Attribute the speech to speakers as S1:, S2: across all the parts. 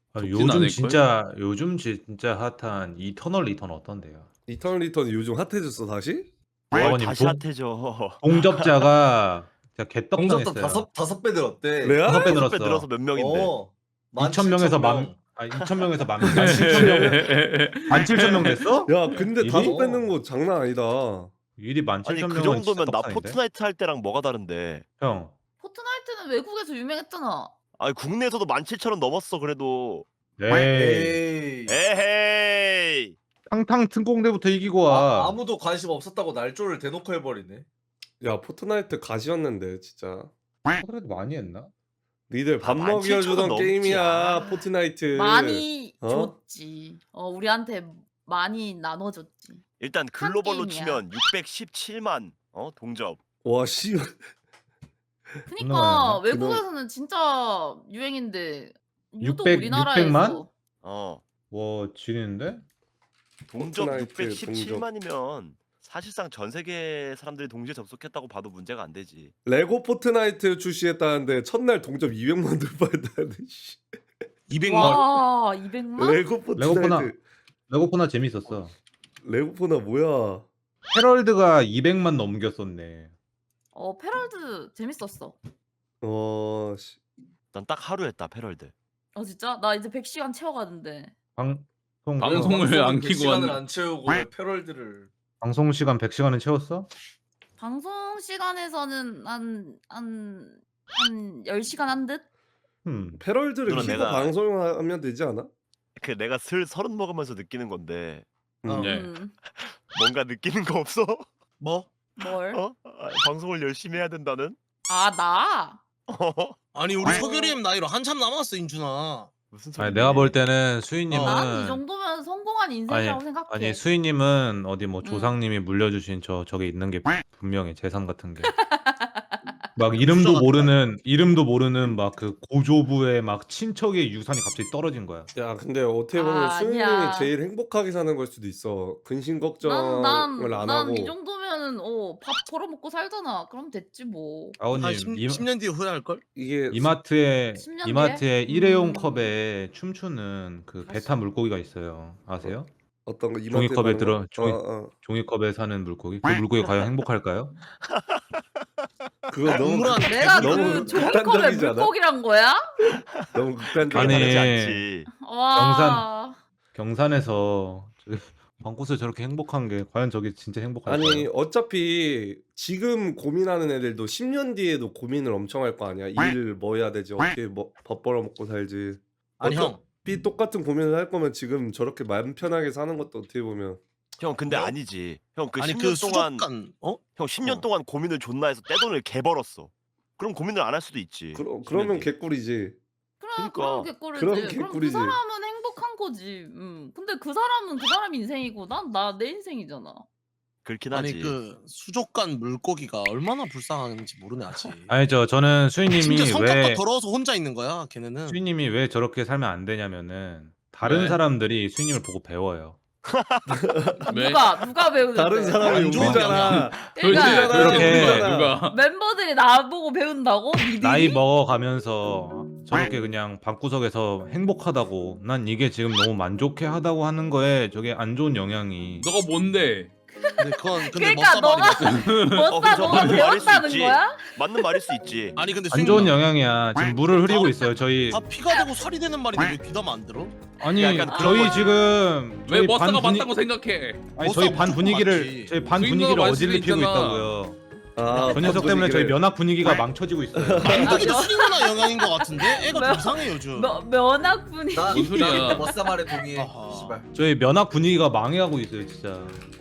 S1: 아,
S2: 덥진 않을걸?
S1: 요즘 진짜 핫한 이터널 리턴 어떤데요?
S3: 이터널 리턴이 요즘 핫해졌어 다시?
S4: 뭘
S1: 아버님
S4: 다시 핫해져.
S1: 동접자가 진짜
S5: 동접도
S1: 개떡상했어요.
S5: 다섯 배 늘었대.
S3: 레알?
S1: 5배
S4: 6배 늘어서
S1: 늘었어.
S4: 몇 명인데.
S1: 2,000명에서
S5: 17,000명.
S1: 2,000명에서 17,000명 17,000명 됐어?
S3: 야 근데
S1: 일이?
S3: 5배 는 거 장난 아니다.
S1: 일이
S4: 아니
S1: 17,000명은
S4: 그 정도면 나
S1: 떡상인데?
S4: 포트나이트 할 때랑 뭐가 다른데.
S1: 형,
S6: 포트나이트는 외국에서 유명했잖아.
S4: 아니 국내에서도 17,000원 넘었어 그래도.
S1: 에이,
S5: 에이.
S4: 에헤이.
S1: 탕탕 특공대부터 이기고 와.
S5: 아무도 관심 없었다고 날조를 대놓고 해버리네.
S3: 야 포트나이트 가시였는데 진짜.
S1: 그래도 많이 했나?
S3: 니들 밥
S4: 17,000원
S3: 먹여주던
S4: 넘지.
S3: 게임이야
S4: 아.
S3: 포트나이트.
S6: 많이
S3: 어?
S6: 줬지. 우리한테 많이 나눠줬지.
S4: 일단 글로벌로
S6: 게임이야.
S4: 치면 617만 동접.
S3: 와 씨.
S6: 그니까
S1: 많이
S6: 외국에서는 진짜 유행인데 유독
S1: 600
S6: 우리나라에서
S1: 와, 지리는데?
S4: 동접
S3: 포트나이트
S4: 617만이면 사실상 전 세계 사람들이 동시에 접속했다고 봐도 문제가 안 되지.
S3: 레고 포트나이트 출시했다는데 첫날 동접 200만 돌파했다는데. 씨.
S2: 200만.
S6: 와 200만?
S3: 레고 포트나이트.
S1: 레고포나 재밌었어.
S3: 레고포나 뭐야?
S1: 헤럴드가 200만 넘겼었네.
S6: 페럴드 재밌었어.
S3: 씨.
S4: 난 딱 하루 했다 패럴드.
S6: 진짜? 나 이제 100시간 채워가는데.
S2: 방송을 안 키고
S5: 시간을
S2: 왔네.
S5: 안 채우고 왜 패럴드를.
S1: 방송 시간 100시간은 채웠어?
S6: 방송 시간에서는 한 10시간 한 듯?
S3: 패럴드를
S4: 누나,
S3: 키고
S4: 내가-
S3: 방송하면 되지 않아?
S4: 그 내가 슬 서른 먹으면서 느끼는 건데
S2: 네.
S4: 뭔가 느끼는 거 없어?
S5: 뭐?
S6: 뭘?
S4: 방송을 열심히 해야 된다는?
S6: 나?
S2: 아니 우리 서규림 나이로 한참 남았어 인준아.
S4: 무슨 소리?
S1: 아니, 내가 볼 때는 수희님은
S6: 난 이 정도면 성공한 인생이라고 생각해.
S1: 아니 수희님은 어디 뭐
S6: 응.
S1: 조상님이 물려주신 저게 있는 게 분명해. 재산 같은 게. 막 이름도 모르는 막 그 고조부의 막 친척의 유산이 갑자기 떨어진 거야.
S3: 야 근데 어떻게 보면 수인님이
S6: 아니야.
S3: 제일 행복하게 사는 걸 수도 있어. 근심 걱정을 안 하고.
S6: 이 정도면은 밥 벌어먹고 살잖아. 그럼 됐지 뭐.
S1: 아버님
S2: 한 10년 뒤에 후회할 걸?
S3: 이게
S1: 이마트에
S6: 10년 뒤에?
S1: 일회용 컵에 춤추는 그 베타 물고기가 있어요. 아세요?
S3: 어떤 거 이마트에
S1: 종이컵에
S3: 파는
S1: 들어
S3: 거?
S1: 종이컵에 사는 물고기. 그 물고기 과연 행복할까요?
S3: 그거 너무
S2: 동물한
S6: 내가
S3: 너무
S6: 그 종이컵에
S3: 극단적이지 않아?
S6: 물고기란 거야?
S3: 너무 극단적.
S1: 아니,
S4: 다르지 않지.
S6: 와.
S1: 경산에서 저기 방구스 저렇게 행복한 게 과연 저게 진짜 행복할까요?
S3: 아니 어차피 지금 고민하는 애들도 10년 뒤에도 고민을 엄청 할 거 아니야. 일 뭐 해야 되지? 어떻게 뭐 밥 벌어 먹고 살지?
S2: 아니 형.
S3: 어차피 똑같은 고민을 할 거면 지금 저렇게 마음 편하게 사는 것도 어떻게 보면
S4: 형 근데 아니지. 형 그
S2: 아니
S4: 10년
S2: 그
S4: 동안
S2: 수족관
S4: 형 10년 동안 고민을 존나 해서 떼돈을 개 벌었어. 그럼 고민을 안 할 수도 있지.
S3: 그러면
S4: 10년 뒤에.
S3: 개꿀이지.
S6: 그럼
S4: 그러니까.
S6: 개꿀이지.
S3: 그럼
S6: 그럼 그
S3: 개꿀이지.
S6: 사람은 행복한 거지. 근데 그 사람은 그 사람 인생이고 난 내 인생이잖아.
S4: 그렇긴
S2: 아니
S4: 하지.
S2: 그 수족관 물고기가 얼마나 불쌍한지 모르네 아직.
S1: 아니죠. 저는
S2: 심지어
S1: 수희님이
S2: 성격도 더러워서 혼자 있는 거야 걔네는.
S1: 수희님이 왜 저렇게 살면 안 되냐면은 다른
S2: 왜?
S1: 사람들이 수희님을 보고 배워요.
S2: 왜?
S6: 누가 배우는데?
S3: 다른 사람이
S2: 안 좋은
S3: 우리잖아.
S6: 그러니까
S1: 그렇게
S2: 누가?
S6: 멤버들이 나보고 배운다고? 니들이?
S1: 나이 먹어가면서 저렇게 그냥 방구석에서 행복하다고 난 이게 지금 너무 만족해하다고 하는 거에 저게 안 좋은 영향이
S7: 너가 뭔데?
S2: 근데 그건 근데
S6: 그러니까
S2: 멋사
S6: 너가
S2: 말이야.
S6: 너가
S4: 그죠. 맞는 말일 수
S6: 배웠다는
S4: 있지.
S6: 거야?
S4: 맞는 말일 수 있지.
S2: 아니 근데
S1: 안 좋은 영향이야. 지금 물을 흐리고 있어요. 저희
S2: 다 피가 되고 살이 되는 말인데 왜 귀담아 안 들어?
S1: 아니
S4: 약간 그런
S1: 저희
S4: 거지.
S1: 지금
S7: 왜
S1: 저희
S7: 머싸가
S1: 반
S7: 맞다고 생각해?
S1: 아니 저희 반
S2: 무조건
S1: 분위기를
S2: 맞지.
S1: 저희 반
S7: 수익
S1: 분위기를
S7: 넣어갈 수도
S1: 어질리피고
S7: 있잖아.
S1: 있다고요.
S3: 아,
S1: 저 녀석 때문에 저희 면학 분위기가 망쳐지고 있어요.
S2: 만두기도 수인누나 영향인 것 같은데? 애가
S6: 뭐야?
S2: 좀 이상해 요즘.
S6: 면학분이
S5: 나
S7: 뭔 소리야.
S5: 나 머싸 말에 동의해.
S2: 아하.
S5: 씨발.
S1: 저희 면학 분위기가 망해가고 있어요, 진짜.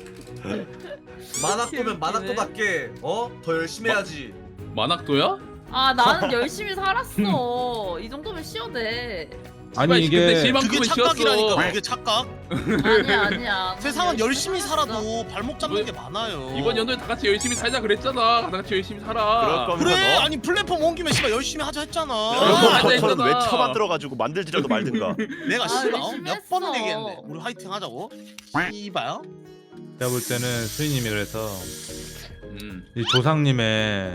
S5: 만학도면 만학도답게 더 열심히 해야지.
S7: 만학도야?
S6: 나는 열심히 살았어. 이 정도면 쉬어도 돼.
S1: 아니
S7: 씨발, 근데
S1: 이게
S7: 실만큼은
S2: 그게 착각이라니까
S7: 쉬었어.
S2: 그게 착각?
S6: 아니야.
S2: 세상은 열심히
S6: 살았어.
S2: 살아도 발목 잡는 게 많아요.
S7: 이번 연도에 다 같이 열심히 살자 그랬잖아. 다 같이 열심히 살아.
S4: 그럴 거면
S2: 그래
S4: 너
S2: 아니 플랫폼 온 김에 씨발 열심히 하자 했잖아.
S7: 안 돼,
S4: 저는 왜
S7: 있잖아.
S4: 처만들어가지고 만들지라도 말든가.
S2: 내가 씨발
S6: 열심히
S2: 몇 번을
S6: 했어.
S2: 얘기했는데 우리 화이팅 하자고. 씨발요?
S1: 제가 볼 때는 수희님이 그래서
S7: 음.
S1: 이 조상님의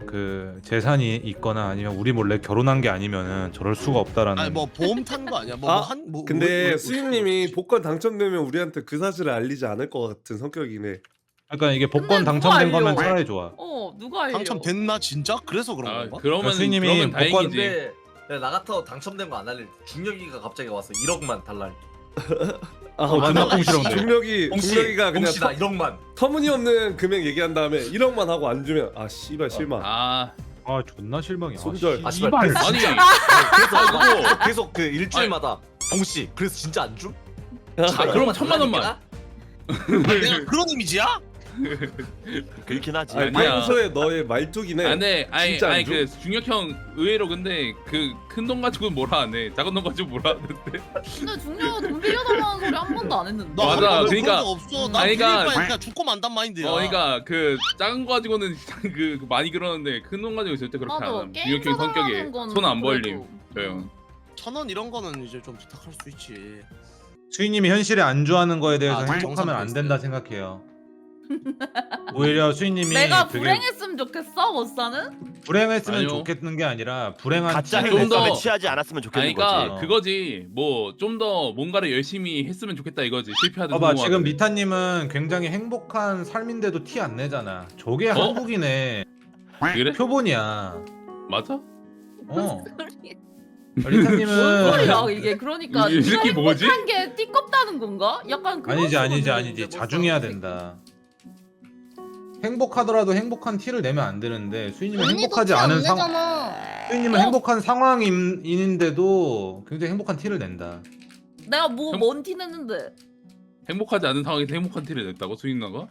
S1: 그 재산이 있거나 아니면 우리 몰래 결혼한 게 아니면은 저럴 수가 없다라는.
S2: 아니 뭐 보험 탄 거 아니야? 뭐
S3: 근데 수인님이 복권 당첨되면 우리한테 그 사실을 알리지 않을 것 같은 성격이네.
S1: 그러니까 이게 복권
S6: 근데 누가
S1: 당첨된 거면
S6: 알려?
S1: 차라리 좋아.
S6: 누가 알려?
S2: 당첨됐나 진짜? 그래서 그런
S7: 아
S2: 건가?
S7: 그러면
S1: 스님이
S7: 그러면
S1: 복권-
S7: 다행이지.
S5: 근데 나 같아 당첨된 거 안 알릴 때 중력이가 갑자기 와서 1억만 달라.
S3: 아,
S1: 존나 꽁시렁대.
S3: 중력이가 그냥
S5: 봉씨 나 1억만.
S3: 터무니없는 금액 얘기한 다음에 1억만 하고 안 주면 아 씨발 실망.
S7: 아
S1: 아 존나 실망이야.
S3: 손절.
S5: 아, 씨발.
S1: 씨발.
S7: 아니
S5: 그래서 계속 그 일주일마다 봉씨 그래서 진짜 안 줌?
S7: 아, 그럼 1,000만 원만.
S2: 내가 그런 이미지야?
S4: 그렇긴 하지.
S3: 아니,
S7: 아니야.
S3: 평소에 너의 말투기네.
S7: 아, 네, 아니,
S3: 진짜 안
S7: 아니
S3: 줘?
S7: 그 중력형 의외로 근데 그 큰 돈 가지고는 뭐라 안 해. 작은 돈 가지고 뭐라 하는데.
S6: 근데 중요한 돈 빌려달라는 소리 한 번도 안 했는데.
S2: 나
S7: 맞아,
S2: 그런
S7: 그러니까-
S2: 적 없어. 나
S7: 아니,
S2: 빌릴
S7: 그러니까-
S2: 바에 그냥 죽고 만단 마인드야.
S7: 그러니까 그 작은 거 가지고는 그 많이 그러는데 큰 돈 가지고 절대 그렇게 안
S6: 맞아.
S7: 함.
S6: 게임
S7: 중력형 성격에
S6: 사달라는 건
S7: 손 안 벌림.
S6: 그래도.
S7: 저요.
S2: 1,000원 이런 거는 이제 좀 부탁할 수 있지.
S1: 수인님이 현실에 안주하는 거에 대해서
S2: 아,
S1: 행복하면 안
S2: 정상
S1: 된다 생각해요. 오히려 수인님이
S6: 내가
S1: 되게
S6: 불행했으면 좋겠어 못사는?
S1: 불행했으면
S7: 아니요.
S1: 좋겠는 게 아니라 불행한
S4: 가짜
S1: 티를
S7: 좀
S4: 행복감에
S7: 더-
S4: 취하지 않았으면 좋겠는
S7: 아니 그러니까
S1: 거지.
S7: 그거지. 뭐 좀 더 뭔가를 열심히 했으면 좋겠다 이거지. 실패하든
S1: 봐봐
S7: 성공하든.
S1: 지금 미타님은 굉장히 행복한 삶인데도 티 안 내잖아. 저게 한국인의
S7: 그래?
S1: 표본이야.
S7: 맞아?
S1: 어.
S6: 뭔
S1: 리타님은
S6: 소리야 이게? 그러니까
S7: 이 새끼 뭐지?
S6: 행복한 게 띠껍다는 건가? 약간 그런
S1: 아니지
S6: 식으로
S1: 아니지
S6: 들리는데
S1: 자중해야
S6: 벌써.
S1: 된다. 행복하더라도 행복한 티를 내면 안 되는데 수인님은
S8: 언니도
S1: 행복하지
S8: 티안
S1: 않은
S8: 내잖아.
S1: 수인님은
S6: 어?
S1: 행복한 상황인데도 굉장히 행복한 티를 낸다.
S6: 내가 뭐
S7: 형-
S6: 뭔 티 냈는데?
S7: 행복하지 않은 상황에서 행복한 티를 냈다고 수인나가?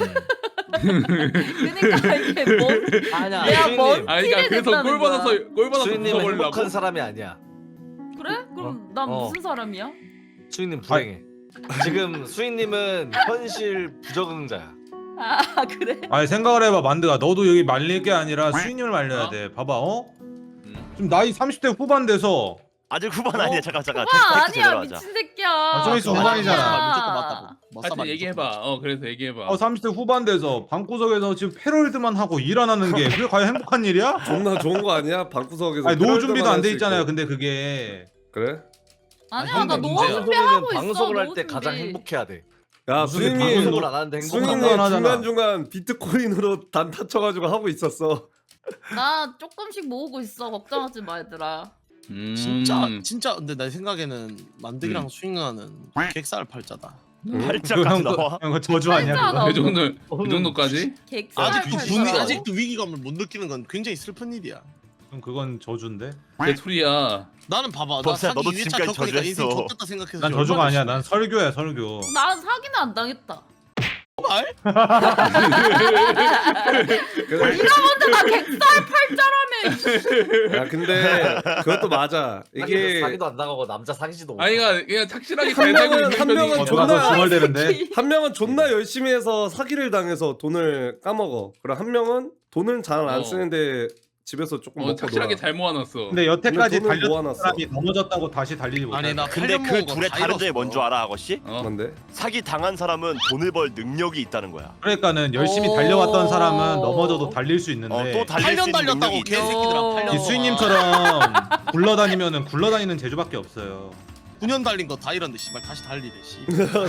S6: 그러니까 이게 뭔?
S5: 아니야.
S6: 내가 뭔
S5: 수인님.
S7: 아니 그러니까
S6: 티를
S7: 그래서
S6: 냈다는
S7: 꼴 받아서
S6: 거야.
S7: 꼴 받아서
S5: 수인님은
S7: 웃어버리려고.
S5: 행복한 사람이 아니야.
S6: 그래? 그럼 난
S5: 어.
S6: 무슨 사람이야?
S5: 수인님 불행해. 지금 수인님은 현실 부적응자야.
S6: 아 그래?
S1: 아니 생각을 해봐 만드가 너도 여기 말릴 게 아니라 수인님을 말려야
S7: 어?
S1: 돼. 봐봐 어?
S7: 음.
S1: 지금 나이 30대 후반 돼서
S4: 아직 후반 아니야. 잠깐
S6: 와
S4: 텍스트
S6: 아니야
S4: 제대로 하자.
S6: 미친 새끼야.
S1: 좀 있으면 후반이잖아.
S2: 무조건 맞다.
S7: 하여튼 얘기해봐. 그래서 얘기해봐.
S1: 30대 후반 돼서 방구석에서 지금 패럴드만 하고 일 안 하는 게 그게 과연 행복한 일이야?
S3: 존나 좋은 거 아니야? 방구석에서.
S1: 아니 노후 준비도 안 돼
S3: 할수
S1: 있잖아요.
S3: 있고.
S1: 근데 그게
S3: 그래?
S6: 아니야 나 노후
S2: 문제야.
S6: 준비하고 있어.
S5: 방송을 할 때
S6: 노후
S5: 가장
S6: 준비.
S5: 행복해야 돼.
S3: 야
S1: 무슨
S3: 수인님
S5: 방송을 안 하는데 행복한
S3: 수인님
S1: 상관 하잖아.
S3: 중간 중간 비트코인으로 단타 쳐가지고 하고 있었어.
S6: 나 조금씩 모으고 있어. 걱정하지 마 얘들아.
S2: 진짜 근데 내 생각에는 만득이랑 수인가는 객살 팔자다.
S4: 팔자까지 나와.
S1: 그 저주 아니야
S6: 팔자
S1: 그거?
S6: 나와.
S7: 그 정도까지?
S6: 객살
S2: 아직 그
S6: 팔자.
S2: 아직 그 위기감을 못 느끼는 건 굉장히 슬픈 일이야.
S1: 그럼 그건 저주인데?
S7: 내 소리야.
S2: 나는 봐봐. 나
S4: 범수야,
S2: 사기
S4: 너도
S2: 2회차
S4: 지금까지
S2: 겪으니까 인생
S4: 저주했어.
S2: 좆됐다 생각해서
S1: 난
S2: 지금
S1: 저주가
S2: 얼마나
S1: 아니야. 난 설교야 설교.
S6: 난 사기는 안 당했다.
S2: 말?
S3: 그래.
S6: 네가 먼저 나 객살 팔자라며.
S3: 야 근데 그것도 맞아. 이게
S5: 사기도 안 나가고 남자 사귀지도 못해.
S7: 아니 그냥 착실하게
S3: 한
S7: 잘 살고
S3: 명은-
S7: 있는
S3: 한 명은
S7: 편이.
S1: 누가 더
S3: 존나-
S1: 중얼대는데?
S3: 한 명은 존나 열심히 해서 사기를 당해서 돈을 까먹어. 그럼 한 명은 돈을 잘 안
S7: 어.
S3: 쓰는데 집에서 조금 먹고
S7: 착실하게
S3: 놀아.
S7: 잘 모아놨어.
S1: 근데 여태까지
S3: 근데 돈을
S1: 달렸던
S3: 모아놨어.
S1: 사람이 넘어졌다고 다시 달리지 못해.
S2: 아니 나
S4: 근데 그
S2: 팔려먹은 거
S4: 둘의
S2: 다
S4: 다른 점이
S2: 잃었어.
S4: 뭔 줄 알아, 아거씨?
S3: 뭔데?
S4: 사기 당한 사람은 돈을 벌 능력이 있다는 거야.
S1: 그러니까는 열심히
S6: 오.
S1: 달려왔던 사람은 넘어져도 달릴 수 있는데
S4: 또 달릴 수
S2: 8년
S4: 있는
S2: 달렸다고
S4: 능력이 있
S2: 개새끼들아. 8년.
S1: 이 수인님처럼 굴러다니면은 굴러다니는 재주밖에 없어요.
S2: 9년 달린 거 다 잃었는데 씨발 다시 달리래 씨.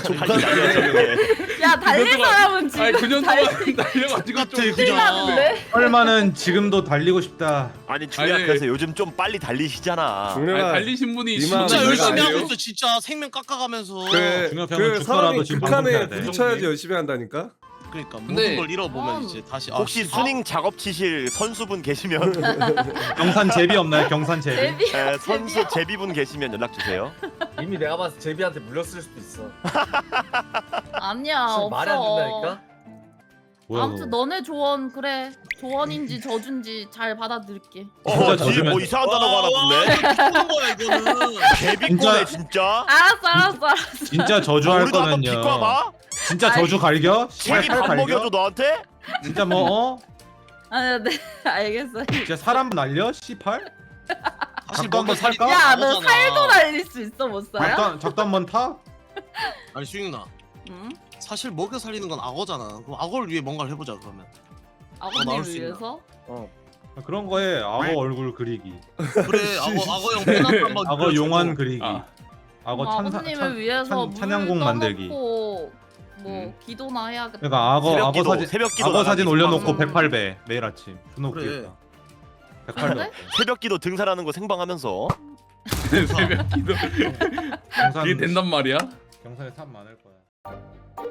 S6: 야 달릴
S7: 그녀도-
S6: 사람은 지금
S7: 아니 9년
S6: 달-
S7: 동안 달려가지고
S2: 같아,
S7: 좀
S2: 그죠?
S6: 나는데?
S1: 얼마는 지금도 달리고 싶다.
S4: 아니 중요한
S7: 아니,
S4: 그래서 요즘 좀 빨리 달리시잖아.
S3: 중요한
S7: 달리신 분이
S3: 니만
S2: 진짜
S3: 그거
S2: 열심히
S3: 아니에요?
S2: 하고 있어. 진짜 생명 깎아가면서.
S3: 그래.
S1: 중요한
S3: 그
S1: 죽더라도
S3: 사람이
S1: 지금
S3: 극한에
S1: 방송해야 돼.
S3: 부딪혀야지 열심히 한다니까.
S2: 그러니까
S7: 근데-
S2: 모든 걸 잃어보면
S6: 아,
S2: 이제 다시
S4: 혹시 수닝 작업 치실 선수분 계시면
S1: 경산 제비 없나요? 경산 제비?
S6: 데뷔.
S4: 선수 제비분 계시면 연락 주세요.
S5: 이미 내가 봤을 때 제비한테 물렸을 수도 있어.
S6: 아니야
S5: 지금 말이 안
S6: 없어.
S5: 된다니까.
S1: 뭐야
S6: 아무튼
S1: 그거?
S6: 너네 조언 그래. 조언인지 저준지 잘 받아들일게.
S1: 진짜
S4: 뒤에
S1: 저주면-
S4: 뭐 이상한 단어가 하나 붙네.
S2: 죽는 거야 이거는.
S4: 개비꼬네 진짜.
S6: 알았어.
S1: 진짜 저주할
S4: 우리도 한번
S1: 거면요.
S4: 비꼬아봐.
S1: 진짜 저주 갈겨?
S4: 책이
S1: 씨발
S4: 밥
S1: 갈겨?
S4: 먹여줘 너한테?
S1: 진짜 뭐 어?
S6: 아니야 네 알겠어.
S1: 진짜 사람 날려? 씨팔?
S2: 사실
S1: 작도 한번 살까?
S6: 야 너 살도 날릴 수 있어 못 살아?
S1: 작도 한번 타?
S2: 아니 수인아.
S6: 응?
S2: 사실 먹여 살리는 건 악어잖아. 그럼 악어를 위해 뭔가를 해보자 그러면.
S5: 나올
S6: 아버님을
S5: 수 있나?
S6: 위해서?
S1: 그런 거에 악어 얼굴 그리기,
S2: 그래 악어형 pen 한번
S1: 악어 용환 그리기,
S7: 아.
S1: 악어
S6: 아버님을 위해서 물
S1: 찬양곡 만들기.
S6: 떠놓고 뭐 기도나 해야겠다.
S1: 그러니까 악어 사진
S4: 새벽기도
S1: 악어 사진
S4: 나가기
S1: 올려놓고
S6: 생방.
S1: 108배 매일 아침 존나
S2: 그래.
S1: 웃기겠다. 108배
S6: 그래?
S4: 새벽기도 등산하는 거 생방하면서
S7: 새벽 기도.
S1: 경산
S7: 그게 된단 말이야?
S1: 경산에 산 많을 거야.